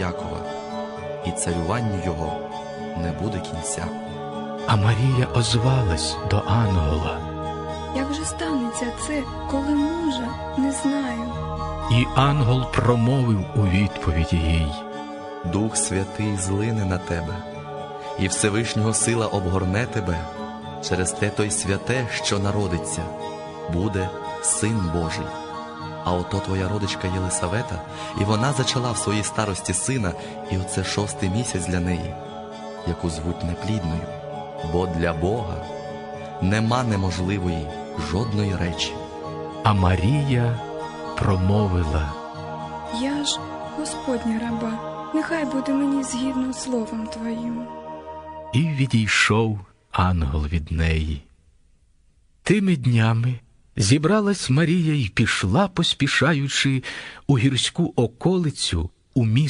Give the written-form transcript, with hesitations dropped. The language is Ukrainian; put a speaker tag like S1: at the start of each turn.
S1: Якова, і царюванню його не буде кінця.
S2: А Марія озвалась до ангела:
S3: Як же станеться це, коли мужа не знаю?
S2: І ангел промовив у відповіді їй:
S1: Дух Святий злине на тебе, і Всевишнього сила обгорне тебе. Через те той святе, що народиться, буде Син Божий. А ото твоя родичка Єлисавета, і вона зачала в своїй старості сина, і оце 6-й місяць для неї, яку звуть неплідною. Бо для Бога нема неможливої жодної речі.
S2: А Марія промовила:
S3: Я ж Господня раба, нехай буде мені згідно словом твоїм.
S2: І відійшов ангел від неї. Тими днями зібралась Марія й пішла, поспішаючи, у гірську околицю, у місто